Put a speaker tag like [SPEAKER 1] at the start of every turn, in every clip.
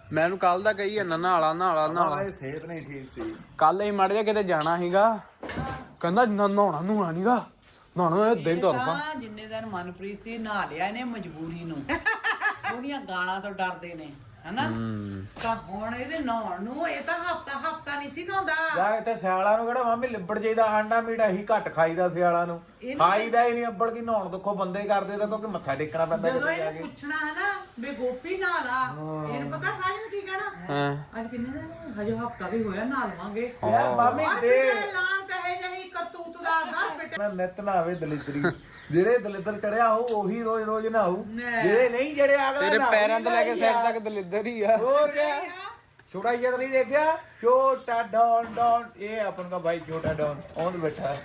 [SPEAKER 1] ਮੈਨੂੰ ਕੱਲ ਦਾ ਕਹੀ ਜਾਂਦਾ ਨਹਾਲਾ
[SPEAKER 2] ਸਿਹਤ ਨਹੀਂ ਠੀਕ ਸੀ।
[SPEAKER 1] ਕੱਲ ਹੀ ਮੜ ਜਾ ਕਿਤੇ ਜਾਣਾ ਸੀਗਾ, ਕਹਿੰਦਾ ਨਹਾਉਣਾ ਨੀਗਾ, ਨਹਾਉਣਾ ਦਿਨ ਤੁਰ ਪਾ।
[SPEAKER 3] ਜਿੰਨੇ ਦਿਨ ਮਨਪ੍ਰੀਤ ਸੀ ਨਹਾ ਲਿਆ ਇਹਨੇ ਮਜਬੂਰੀ ਨੂੰ, ਉਹਦੀਆਂ ਗਾਲਾਂ ਤੋਂ ਡਰਦੇ ਨੇ ਹਨਾ। ਤਾਂ ਹੁਣ ਇਹਦੇ ਨਹਾਉਣ ਨੂੰ ਇਹ ਤਾਂ ਹਫਤਾ ਨਹੀਂ ਸੀ ਨਹਾਉਂਦਾ
[SPEAKER 2] ਯਾਰ ਇੱਥੇ ਸਿਆਲਾਂ ਨੂੰ ਕਿਹੜਾ ਮਾਮੀ ਲਿਬੜ ਜਾਈਦਾ, ਆਂਡਾ ਮੀਟ ਅਸੀਂ ਘੱਟ ਖਾਈਦਾ ਸਿਆਲਾਂ ਨੂੰ, ਖਾਈਦਾ ਹੀ ਨਹੀਂ ਅੱਬੜ ਕੀ। ਨਹਾਉਣ ਦੇਖੋ ਬੰਦੇ ਕਰਦੇ ਤਾਂ ਕਿਉਂਕਿ ਮੱਥਾ ਟੇਕਣਾ ਪੈਂਦਾ
[SPEAKER 3] ਜਦੋਂ
[SPEAKER 2] ਕਿਤੇ ਜਾ
[SPEAKER 3] ਇਹਨੂੰ
[SPEAKER 2] ਕੇ।
[SPEAKER 3] ਪੁੱਛਣਾ ਹੈ ਨਾ ਵੀ ਗੋਪੀ ਨਹਾ ਲਾ, ਇਹਨੂੰ ਪਤਾ ਸਾਰਿਆਂ ਨੂੰ ਕੀ ਕਹਿਣਾ, ਅੱਜ ਕਿੰਨੇ ਦਿਨ ਹਜੇ ਹਫਤਾ ਵੀ ਹੋਇਆ ਨਹਾ ਲਵਾਂਗੇ।
[SPEAKER 2] ਯਾਰ ਮਾਮੀ ਦੇ
[SPEAKER 3] ਲਾਣ ਤਾਂ ਇਹ ਜਹੀ ਕਰਤੂਤ ਦਾ ਦਰ ਪਿੱਟ
[SPEAKER 2] ਮੈਂ ਨਿਤ ਨਾਵੇ ਦਲਿਦਰੀ, ਜਿਹੜੇ ਦਲਿਦਰ ਚੜਿਆ ਹੋ ਉਹੀ ਰੋਜ਼ ਨਹਾਊ, ਜਿਹੜੇ ਨਹੀਂ ਜਿਹੜੇ ਅਗਲਾ
[SPEAKER 1] ਤੇਰੇ ਪੈਰਾਂ ਤੋਂ ਲੈ ਕੇ ਸਿਰ ਤੱਕ ਦਲਿੱਦਰ ਹੀ ਆ।
[SPEAKER 2] ਹੋਰ ਕਿਆ ਛੋਟਾ ਜਿਹਾ ਨਹੀਂ ਦੇਖਿਆ, ਛੋਟਾ ਡੌਨ ਇਹ ਆਪਨ ਦਾ ਭਾਈ ਛੋਟਾ ਡੌਨ ਉਹਨ ਬੈਠਾ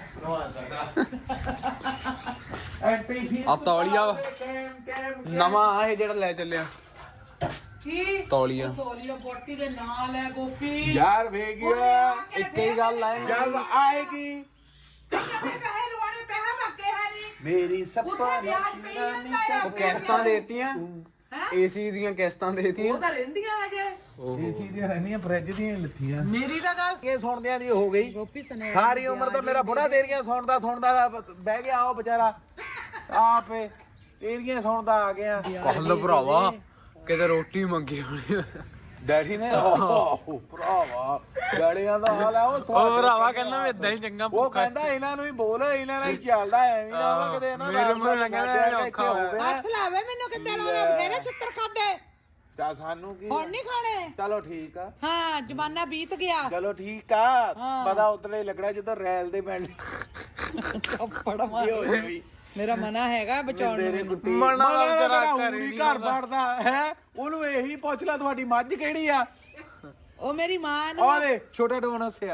[SPEAKER 1] ਆ ਤੌਲੀਆ ਨਵਾਂ ਆ ਇਹ ਜਿਹੜਾ ਲੈ ਚੱਲਿਆ
[SPEAKER 3] ਕੀ
[SPEAKER 1] ਤੌਲੀਆ
[SPEAKER 3] ਬੋਟੀ ਦੇ ਨਾਲ ਹੈ ਗੋਪੀ।
[SPEAKER 2] ਯਾਰ ਵੇਗਿਆ
[SPEAKER 1] ਇੱਕ ਹੀ ਗੱਲ ਆ
[SPEAKER 2] ਜਦ ਆਏਗੀ
[SPEAKER 3] ਪੈਸੇ ਲਵਾਣੇ ਪੈਸੇ ਮੱਕੇ ਹੈ ਨਹੀਂ
[SPEAKER 2] ਮੇਰੀ
[SPEAKER 3] ਉੱਥੇ
[SPEAKER 2] ਸੱਪਾ
[SPEAKER 3] ਵਿਆਜ ਪਈ ਜਾਂਦਾ ਆ।
[SPEAKER 1] ਉਹ ਕਿਸ਼ਤਾਂ ਦੇਤੀਆਂ, ਏਸੀ ਦੀਆਂ ਕਿਸ਼ਤਾਂ ਦੇਤੀਆਂ।
[SPEAKER 3] ਉਹ ਤਾਂ ਰਹਿੰਦੀਆਂ ਹਜੇ
[SPEAKER 2] ਏਸੀ ਦੀਆਂ ਰਹਿੰਦੀਆਂ ਫ੍ਰਿਜ ਦੀਆਂ ਲੱਥੀਆਂ।
[SPEAKER 3] ਮੇਰੀ ਤਾਂ ਗੱਲ
[SPEAKER 2] ਇਹ ਸੁਣਦਿਆਂ ਦੀ ਹੋ ਗਈ
[SPEAKER 3] ਗੋਪੀ ਸੁਣਿਆ
[SPEAKER 2] ਸਾਰੀ ਉਮਰ ਤਾਂ ਮੇਰਾ ਬੁੜਾ ਤੇਰੀਆਂ ਸੁਣਦਾ ਬਹਿ ਗਿਆ ਉਹ ਵਿਚਾਰਾ ਆਪੇ ਤੇਰੀਆਂ ਸੁਣਦਾ ਆ ਗਿਆ।
[SPEAKER 1] ਕੱਲ ਭਰਾਵਾ ਕਿਤੇ ਰੋਟੀ ਮੰਗੀ ਹੋਣੀ
[SPEAKER 2] ਡੈਡੀ ਨੇ ਭਰਾਵਾ ਗਾੜੀਆਂ ਦਾ ਹਾਲ ਆ ਉਹ
[SPEAKER 1] ਭਰਾਵਾ ਕਹਿੰਦਾ ਮੈਂ ਇਦਾਂ ਹੀ ਚੰਗਾ
[SPEAKER 2] ਉਹ ਕਹਿੰਦਾ ਇਹਨਾਂ ਨੂੰ ਹੀ ਬੋਲ, ਇਹਨਾਂ ਨਾਲ ਹੀ ਚੱਲਦਾ ਐਵੇਂ ਨਾ ਹੋਵੇ ਕਿਤੇ ਇਹਨਾਂ
[SPEAKER 1] ਮੇਰੇ ਮੂੰਹ ਨਾਲ ਕਹਿੰਦਾ ਔਖਾ ਹੋਵੇ।
[SPEAKER 3] ਹੱਥ ਲਾਵੇ ਮੈਨੂੰ ਕਿੱਦਾਂ ਲਾਉਣਾ, ਬਥੇਰੇ ਛਿੱਤਰ ਖਾਦੇ
[SPEAKER 2] ਤਾਂ ਸਾਨੂੰ ਕੀ
[SPEAKER 3] ਹੁਣ ਨਹੀਂ ਖਾਣੇ।
[SPEAKER 2] ਚਲੋ ਠੀਕ ਆ,
[SPEAKER 3] ਹਾਂ ਜ਼ਮਾਨਾ ਬੀਤ ਗਿਆ।
[SPEAKER 2] ਚਲੋ ਠੀਕ ਆ, ਪਤਾ ਉਤਲੇ ਲੱਗਣਾ ਜਦੋਂ ਰੈਲ ਦੇ ਪੈਣ
[SPEAKER 3] ਕੱਪੜ ਮਾਰ
[SPEAKER 2] ਹੋ ਜਾਵੀ।
[SPEAKER 3] ਮੇਰਾ ਮਨਾ ਹੈਗਾ ਬਚਾਉਣ ਨੂੰ।
[SPEAKER 1] ਮਨਾ ਤੇਰਾ ਘਰ ਹੀ
[SPEAKER 2] ਘਰ ਵੜਦਾ ਹੈ, ਉਹਨੂੰ ਇਹੀ ਪੁੱਛ ਲੈ ਤੁਹਾਡੀ ਮੱਝ ਕਿਹੜੀ ਆ।
[SPEAKER 3] ਉਹ ਮੇਰੀ ਮਾਂ ਨੂੰ
[SPEAKER 2] ਆਲੇ ਛੋਟਾ ਡੋਨ ਹੱਸਿਆ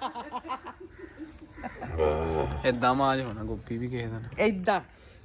[SPEAKER 1] ਏਦਾਂ ਮਾਜ ਹੋਣਾ ਗੋਪੀ ਵੀ ਕਿਸੇ ਦਿਨ,
[SPEAKER 3] ਏਦਾਂ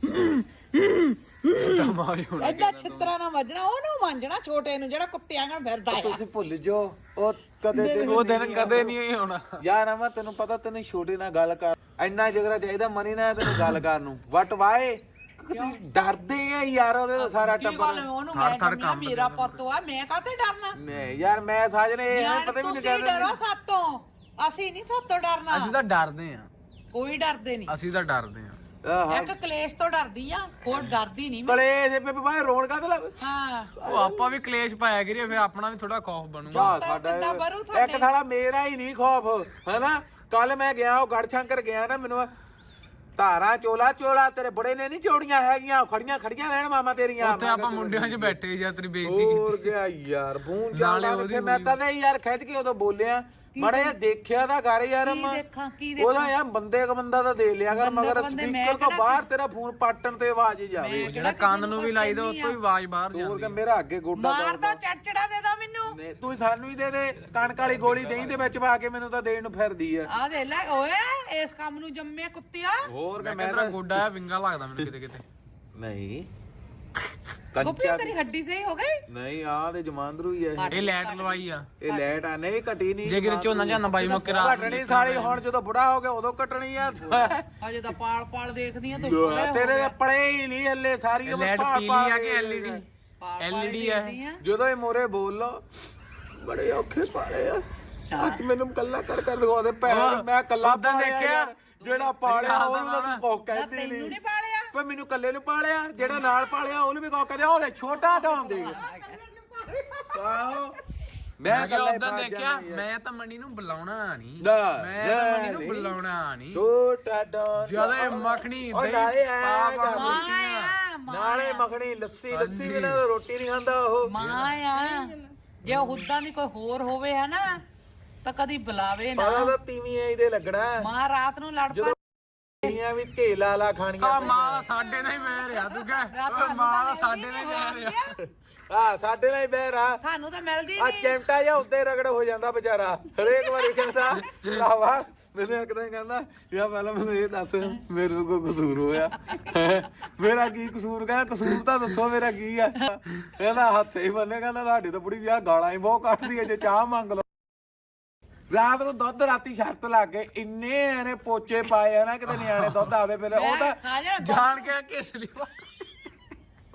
[SPEAKER 1] ਏਦਾਂ ਮਾਜ ਹੋਣਾ।
[SPEAKER 3] ਏਦਾਂ ਛਿੱਤਰਾਂ ਨਾਲ ਵੱਜਣਾ, ਉਹਨੂੰ ਮਾਂਜਣਾ ਛੋਟੇ ਨੂੰ ਜਿਹੜਾ ਕੁੱਤਿਆਂ ਨਾਲ ਫਿਰਦਾ ਆ।
[SPEAKER 2] ਤੁਸੀਂ ਭੁੱਲ ਜੋ ਉਹ ਕਦੇ ਤੇ
[SPEAKER 1] ਉਹ ਦਿਨ ਕਦੇ ਨਹੀਂ ਹੋਣਾ
[SPEAKER 2] ਯਾਰ ਮੈਂ ਤੈਨੂੰ ਪਤਾ ਤੈਨੂੰ ਛੋਟੇ ਨਾਲ ਗੱਲ ਕਰ ਇੰਨਾ ਜਿਗਰਾ ਚਾਹੀਦਾ ਮਨੀ ਨਾ ਤੈਨੂੰ ਗੱਲ ਕਰਨ ਨੂੰ। ਵਟ ਵਾਏ ਤੁਸੀਂ ਡਰਦੇ ਆ ਯਾਰ ਉਹਦੇ ਤੋਂ ਸਾਰਾ
[SPEAKER 3] ਕੀ ਗੱਲ
[SPEAKER 2] ਟੱਬਰ।
[SPEAKER 3] ਉਹਨੂੰ ਮੈਂ ਜੰਮਿਆ ਮੇਰਾ ਪੁੱਤ ਆ, ਮੈਂ ਕਾਹਤੇ ਡਰਨਾ।
[SPEAKER 2] ਨਹੀਂ ਯਾਰ ਮੈਂ ਸਾਜਨੇ ਪਤਾ ਵੀ ਨਹੀਂ
[SPEAKER 3] ਤੁਸੀਂ ਡਰੋ ਸਾਤੋਂ, ਅਸੀਂ ਨਹੀਂ ਸਾਤੋਂ ਡਰਨਾ।
[SPEAKER 1] ਅਸੀਂ ਤਾਂ ਡਰਦੇ ਆ,
[SPEAKER 3] ਕੋਈ ਡਰਦੇ ਨਹੀਂ।
[SPEAKER 1] ਅਸੀਂ ਤਾਂ ਡਰਦੇ ਆ।
[SPEAKER 3] ਇੱਕ ਕਲੇਸ਼ ਤੋਂ ਡਰਦੀ ਆ, ਹੋਰ ਡਰਦੀ ਨਹੀਂ ਮੈਂ।
[SPEAKER 2] ਕਲੇ ਦੇ ਪੇ ਬਾਹਰ ਰੋਣ ਕਾ ਤੇ
[SPEAKER 3] ਹਾਂ
[SPEAKER 1] ਉਹ ਆਪਾਂ ਵੀ ਕਲੇਸ਼ ਪਾਇਆ ਕਰੀਏ, ਫਿਰ ਆਪਣਾ ਵੀ ਥੋੜਾ ਖੌਫ ਬਣੂਗਾ।
[SPEAKER 3] ਕਿੱਦਾਂ ਬਰੂ
[SPEAKER 2] ਇੱਕ ਸਾਲਾ ਮੇਰਾ ਹੀ ਨਹੀਂ ਖੌਫ ਹੈਨਾ। ਕੱਲ ਮੈਂ ਗਿਆ ਉਹ ਗੜਸ਼ੰਕਰ ਗਿਆ ਨਾ, ਮੈਨੂੰ ਧਾਰਾ ਚੋਲਾ ਤੇਰੇ ਬੁੜੇ ਨੇ ਨਹੀਂ ਚੋੜੀਆਂ ਹੈਗੀਆਂ, ਖੜੀਆਂ ਰਹਿਣ ਮਾਮਾ ਤੇਰੀਆਂ।
[SPEAKER 1] ਉੱਥੇ ਆਪਾਂ ਮੁੰਡਿਆਂ 'ਚ ਬੈਠੇ ਜਾਂ ਤੇਰੀ ਬੇਇੱਜ਼ਤੀ ਕੀਤੀ।
[SPEAKER 2] ਹੋਰ ਗਿਆ ਯਾਰ ਬੂੰ ਚਾਲਾ ਕਿੱਥੇ। ਮੈਂ ਤਾਂ ਨਹੀਂ ਯਾਰ ਖਿੱਚ ਕੇ ਉਦੋਂ ਬੋਲਿਆ ਮਾੜਾ ਜਿਹਾ ਦੇਖਿਆ ਤਾਂ ਕਰ ਯਾਰ। ਉਹਦਾ ਯਾਰ ਬੰਦੇ ਕ ਬੰਦਾ ਤਾਂ ਦੇ ਲਿਆ ਕਰ, ਮਗਰ ਸਪੀਕਰ ਤੋਂ ਬਾਹਰ ਤੇਰਾ ਫੋਨ ਪਾਟਣ ਤੇ ਆਵਾਜ਼ ਜਾਵੇ।
[SPEAKER 1] ਜਿਹੜਾ ਕੰਨ ਨੂੰ ਵੀ ਲਾਈਦਾ ਉਹ ਤੋਂ ਵੀ ਆਵਾਜ਼ ਬਾਹਰ ਜਾਂਦੀ।
[SPEAKER 2] ਹੋਰ ਕਿ ਮੇਰਾ ਅੱਗੇ ਗੋਡਾ
[SPEAKER 3] ਮਾਰਦਾ ਚੜਚੜਾ ਦੇ ਦੋ ਮੈਨੂੰ।
[SPEAKER 2] ਤੂੰ ਸਾਨੂੰ ਹੀ ਦੇ ਦੇ ਕਣਕ ਵਾਲੀ ਗੋਲੀ ਦਹੀਂ ਦੇ ਵਿੱਚ ਪਾ ਕੇ, ਮੈਨੂੰ ਤਾਂ ਦੇਣ ਨੂੰ ਫਿਰਦੀ ਆ।
[SPEAKER 3] ਆ ਦੇ ਲੈ ਓਏ, ਇਸ ਕੰਮ ਨੂੰ ਜੰਮਿਆ ਕੁੱਤਿਆ।
[SPEAKER 2] ਹੋਰ ਕਿ
[SPEAKER 1] ਮੈਂ ਤੇਰਾ ਗੋਡਾ ਆ ਵਿੰਗਾ ਲੱਗਦਾ ਮੈਨੂੰ ਕਿਤੇ
[SPEAKER 2] ਨਹੀਂ
[SPEAKER 3] ਗੋਪੀ ਤੇਰੀ ਹੱਡੀ ਸਹੀ ਹੋ ਗਈ।
[SPEAKER 2] ਨਹੀਂ ਆ ਤੇ ਜਮਾਂਦਰੂ ਹੀ ਆ
[SPEAKER 1] ਇਹ ਲੈਟ ਲਵਾਈ ਆ।
[SPEAKER 2] ਇਹ ਲੈਟ ਆ ਨਹੀਂ ਘਟੀ ਨਹੀਂ।
[SPEAKER 1] ਜੇ ਕਿਤੇ ਝੋਨਾ ਬਾਈ ਮੁੱਕ ਰਾਤ
[SPEAKER 2] ਘਟਣੀ ਸਾਲੀ ਹੁਣ ਜਦੋਂ ਬੁੜਾ ਹੋ ਗਿਆ ਉਦੋਂ ਘਟਣੀ ਆ।
[SPEAKER 3] ਅਜੇ ਤਾਂ ਪਾਲ ਦੇਖਦੀ ਆ ਤੂੰ।
[SPEAKER 2] ਤੇਰੇ ਦੇ ਪੜੇ ਹੀ ਨਹੀਂ ਹੱਲੇ ਸਾਰੀ ਉਮਰ
[SPEAKER 1] ਲੈਟ ਪੀਲੀ ਆ ਕਿ ਐਲਈਡੀ ਆ।
[SPEAKER 2] ਜਦੋਂ ਇਹ ਮੋਰੇ ਬੋਲ ਲੋ ਬੜੇ ਔਖੇ ਪਾਲੇ ਆ। ਅੱਜ ਮੈਨੂੰ ਕੱਲਾ ਕਰ ਲਗਾਉਂਦੇ ਪੈਰ, ਮੈਂ ਕੱਲਾ
[SPEAKER 1] ਦੇਖਿਆ
[SPEAKER 2] ਜਿਹੜਾ ਪਾਲਿਆ ਉਹਨੂੰ ਤਾਂ ਕੁਝ ਕਹਿੰਦੇ
[SPEAKER 3] ਤੈਨੂੰ ਨਹੀਂ ਪਾਲਿਆ
[SPEAKER 2] ਪਰ ਮੈਨੂੰ ਕੱਲੇ ਨੂੰ ਪਾਲਿਆ, ਜਿਹੜਾ ਨਾਲ ਪਾਲਿਆ ਉਹਨੂੰ ਵੀ ਕੁਝ ਕਹਿੰਦੇ। ਉਹਦੇ ਛੋਟਾ ਢਾਮ ਦੇ ਆਹੋ ਮੈਂ ਕੱਲਾ
[SPEAKER 1] ਉਦੋਂ ਦੇਖਿਆ। ਮੈਂ ਤਾਂ ਮਣੀ ਨੂੰ ਬੁਲਾਉਣਾ ਨਹੀਂ,
[SPEAKER 2] ਨਾ
[SPEAKER 1] ਮੈਂ ਤਾਂ ਮਣੀ ਨੂੰ ਬੁਲਾਉਣਾ ਨਹੀਂ।
[SPEAKER 2] ਛੋਟਾ ਢਾਮ
[SPEAKER 1] ਜਿਆਦਾ ਮੱਖਣੀ ਦਹੀਂ
[SPEAKER 2] ਨਾਲੇ ਮੱਖਣੀ ਲੱਸੀ ਵੀ ਨਾ ਰੋਟੀ ਨਹੀਂ ਖਾਂਦਾ ਉਹ।
[SPEAKER 3] ਮਾਂ ਆ ਜੇ ਹੁੱਦਾਂ ਦੀ ਕੋਈ ਹੋਰ ਹੋਵੇ ਹੈ ਨਾ ਤਾਂ ਕਦੀ ਬੁਲਾਵੇ ਨਾ।
[SPEAKER 2] ਪਤਾ ਤਾਂ ਤੀਵੀਂ ਇਹਦੇ ਲੱਗਣਾ।
[SPEAKER 3] ਮਾਂ ਰਾਤ ਨੂੰ ਲੜ ਪਾ
[SPEAKER 2] ਤੀਵੀਆਂ ਵੀ ਢੇਲਾ ਲਾ ਖਾਣੀਆਂ।
[SPEAKER 1] ਸਾਲਾ ਮਾਂ ਦਾ ਸਾਡੇ ਨਾਲ ਹੀ ਬਹਿ ਰਿਹਾ ਤੂੰ ਕਹਿ, ਮਾਂ ਦਾ ਸਾਡੇ ਨਾਲ ਹੀ ਬਹਿ ਰਿਹਾ।
[SPEAKER 2] ਹਾਂ ਸਾਡੇ ਨਾਲ ਹੀ ਬਹਿ ਰਾ।
[SPEAKER 3] ਤੁਹਾਨੂੰ ਤਾਂ ਮਿਲਦੀ
[SPEAKER 2] ਆ
[SPEAKER 3] ਨਹੀਂ।
[SPEAKER 2] ਚਿਮਟਾ ਜਾਂ ਉੱਤੇ ਰਗੜ ਹੋ ਜਾਂਦਾ ਵਿਚਾਰਾ ਹਰੇਕ ਵਾਰੀ ਕਹਿੰਦਾ ਭਰਾਵਾ। ਮੈਨੂੰ ਇੱਕ ਦਿਨ ਕਹਿੰਦਾ ਯਾ ਪਹਿਲਾਂ ਮੈਨੂੰ ਇਹ ਦੱਸ ਮੇਰੇ ਕੋ ਕਸੂਰ ਹੋਇਆ। ਮੇਰਾ ਕੀ ਕਸੂਰ? ਕਹਿੰਦਾ ਕਸੂਰ ਤਾਂ ਦੱਸੋ ਮੇਰਾ ਕੀ ਆ। ਕਹਿੰਦਾ ਹੱਥ ਹੀ ਬੰਨੇ, ਕਹਿੰਦਾ ਤੁਹਾਡੀ ਤਾਂ ਬੁੜੀ ਵਿਆਹ ਗਾਲਾਂ ਹੀ ਬਹੁਤ ਕੱਢਦੀ ਹੈ, ਜੇ ਚਾਹ ਮੰਗ ਲਓ। ਰਾਤ ਨੂੰ ਦੁੱਧ ਰਾਤੀ ਸ਼ਰਤ ਲਾ ਕੇ ਇੰਨੇ ਇਹਨੇ ਪੋਚੇ ਪਾਏ ਆ ਨਾ ਕਿਤੇ ਨਿਆਣੇ ਦੁੱਧ ਆਵੇ ਪਹਿਲੇ। ਉਹ ਤਾਂ
[SPEAKER 1] ਜਾਣ ਕੇ ਕਿਸ ਲਈ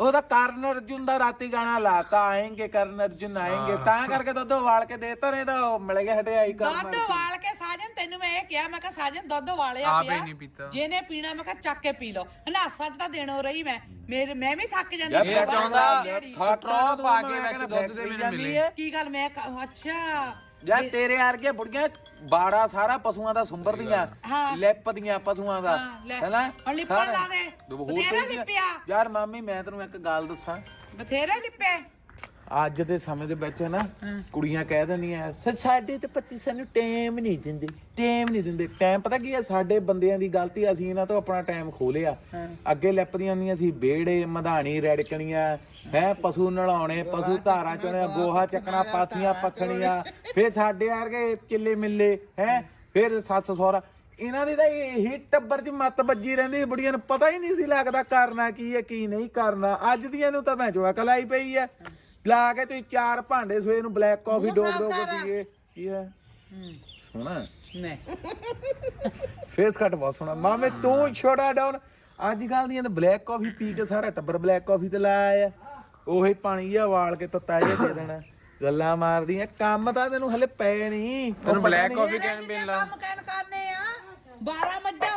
[SPEAKER 2] ਉਹਦਾ ਕਰਨ ਅਰਜੁਨ ਦਾ ਰਾਤੀ ਗਾਣਾ ਲਾਤਾ ਆਏਂਗੇ ਕਰਨ ਅਰਜੁਨ ਆਏਂਗੇ ਤਾਂ ਕਰਕੇ ਦੁੱਧ ਉਬਾਲ ਕੇ ਦੇਤਾ ਨਹੀਂ ਤਾਂ ਉਹ ਮਿਲ ਗਿਆ ਹਟਿਆਈ ਕਰਨ
[SPEAKER 3] ਦੁੱਧ ਉਬਾਲ ਕੇ ਸਾਜਨ ਤੈਨੂੰ ਮੈਂ ਇਹ ਕਿਹਾ ਮੈਂ ਕਿਹਾ ਸਾਜਨ ਦੁੱਧ ਉਬਾਲਿਆ
[SPEAKER 1] ਆਪੇ
[SPEAKER 3] ਪਿਆ
[SPEAKER 1] ਨਹੀਂ ਪੀਤਾ।
[SPEAKER 3] ਜਿਹਨੇ ਪੀਣਾ ਮੈਂ ਕਿਹਾ ਚੱਕ ਕੇ ਪੀ ਲਓ ਹਨਾਸਾ ਚ ਤਾਂ ਦੇਣੋ ਰਹੀ ਮੈਂ ਮੈਂ ਵੀ ਥੱਕ ਜਾਂਦੀ
[SPEAKER 2] ਯਾਰ
[SPEAKER 1] ਇਹ ਚਾਹੁੰਦਾ
[SPEAKER 3] ਜਿਹੜੀ।
[SPEAKER 1] ਸਟਰੋ ਪਾ ਕੇ ਵਿੱਚ ਦੁੱਧ ਦੇ ਮੈਨੂੰ ਮਿਲੇ।
[SPEAKER 3] ਕੀ ਗੱਲ ਮੈਂ ਅੱਛਾ
[SPEAKER 2] ਯਾਰ ਤੇਰੇ ਵਰਗੇ ਬੁੜੀਆਂ ਬਾੜਾ ਸਾਰਾ ਪਸ਼ੂਆਂ ਦਾ ਸੁੰਬਰਦੀਆਂ
[SPEAKER 3] ਹਾਂ।
[SPEAKER 2] ਲਿਪਦੀਆਂ ਪਸ਼ੂਆਂ ਦਾ
[SPEAKER 3] ਹਾਂ, ਲੈ।
[SPEAKER 2] ਹੈਨਾ
[SPEAKER 3] ਹੁਣ ਲਿਪਣ ਲਾ ਦੇ।
[SPEAKER 2] ਹੋਰ
[SPEAKER 3] ਬਥੇਰਾ
[SPEAKER 2] ਕੋਈ ਨਹੀਂ।
[SPEAKER 3] ਲਿਪਿਆ।
[SPEAKER 2] ਯਾਰ ਮਾਮੀ ਮੈਂ ਤੈਨੂੰ ਇੱਕ ਗੱਲ ਦੱਸਾਂ
[SPEAKER 3] ਬਥੇਰੇ ਲਿਪੇ
[SPEAKER 2] ਅੱਜ ਦੇ ਸਮੇਂ ਦੇ ਵਿੱਚ ਨਾ ਕੁੜੀਆਂ ਕਹਿ ਦਿੰਦੀਆਂ ਸਾਡੇ ਤੇ ਪਤੀ ਸਾਨੂੰ ਟਾਈਮ ਨਹੀਂ ਦਿੰਦੇ ਟਾਈਮ ਪਤਾ ਕੀ ਹੈ ਸਾਡੇ ਬੰਦਿਆਂ ਦੀ ਗਲਤੀ ਅਸੀਂ ਇਹਨਾਂ ਤੋਂ ਆਪਣਾ ਟਾਈਮ ਖੋ ਲਿਆ ਅੱਗੇ ਲਿਪਦੀਆਂ ਹੁੰਦੀਆਂ ਸੀ ਵਿਹੜੇ ਮਧਾਣੀ ਰੜਕਣੀਆਂ ਹੈ ਪਸ਼ੂ ਨਲਾਉਣੇ ਪਸ਼ੂ ਧਾਰਾਂ ਚੋਣੇ ਗੋਹਾ ਚੱਕਣਾ ਪਾਥੀਆਂ ਪੱਥਣੀਆਂ ਫਿਰ ਸਾਡੇ ਵਰਗੇ ਕਿੱਲੇ ਮਿੱਲੇ ਹੈ ਫਿਰ ਸੱਸ ਸਹੁਰਾ ਇਹਨਾਂ ਦੀ ਤਾਂ ਇਹੀ ਟੱਬਰ 'ਚ ਮੱਤ ਵੱਜੀ ਰਹਿੰਦੀ ਬੁੜੀਆਂ ਨੂੰ ਪਤਾ ਹੀ ਨਹੀਂ ਸੀ ਲੱਗਦਾ ਕਰਨਾ ਕੀ ਹੈ ਕੀ ਨਹੀਂ ਕਰਨਾ ਅੱਜ ਦੀਆਂ ਨੂੰ ਤਾਂ ਮੈਂ ਜੋ ਅਕਲ ਆਈ ਪਈ ਹੈ ਲਾ ਕੇ ਤੁਸੀਂ 4 ਭਾਂਡੇ ਸਵੇਰ ਨੂੰ ਬਲੈਕ ਕਾਫੀ ਡੋਬ ਕੇ ਪੀਏ ਕੀ ਹੈ ਸੋਹਣਾ
[SPEAKER 3] ਨਹੀਂ
[SPEAKER 2] ਫੇਸ ਕੱਟ ਬਹੁਤ ਸੋਹਣਾ ਮਾਮੇ ਤੂੰ ਛੋੜਾ ਡਾਊਨ ਅੱਜ ਕੱਲ ਦੀਆਂ ਤਾਂ ਬਲੈਕ ਕਾਫੀ ਪੀ ਕੇ ਸਾਰਾ ਟੱਬਰ ਬਲੈਕ ਕਾਫੀ ਤੇ ਲਾਇਆ ਆ ਉਹੀ ਪਾਣੀ ਜਿਹਾ ਉਬਾਲ ਕੇ ਤੱਤਾ ਜਿਹਾ ਦੇ ਦੇਣਾ ਗੱਲਾਂ ਮਾਰਦੀਆਂ ਕੰਮ ਤਾਂ ਤੈਨੂੰ ਹਲੇ ਪਏ ਨਹੀਂ
[SPEAKER 1] ਤੈਨੂੰ ਬਲੈਕ ਕਾਫੀ ਕਹਿਣ ਪੀਣ ਲਾ
[SPEAKER 3] ਕੰਮ ਕਹਿਣ ਕਰਨੇ ਆ 12 ਮੱਝਾਂ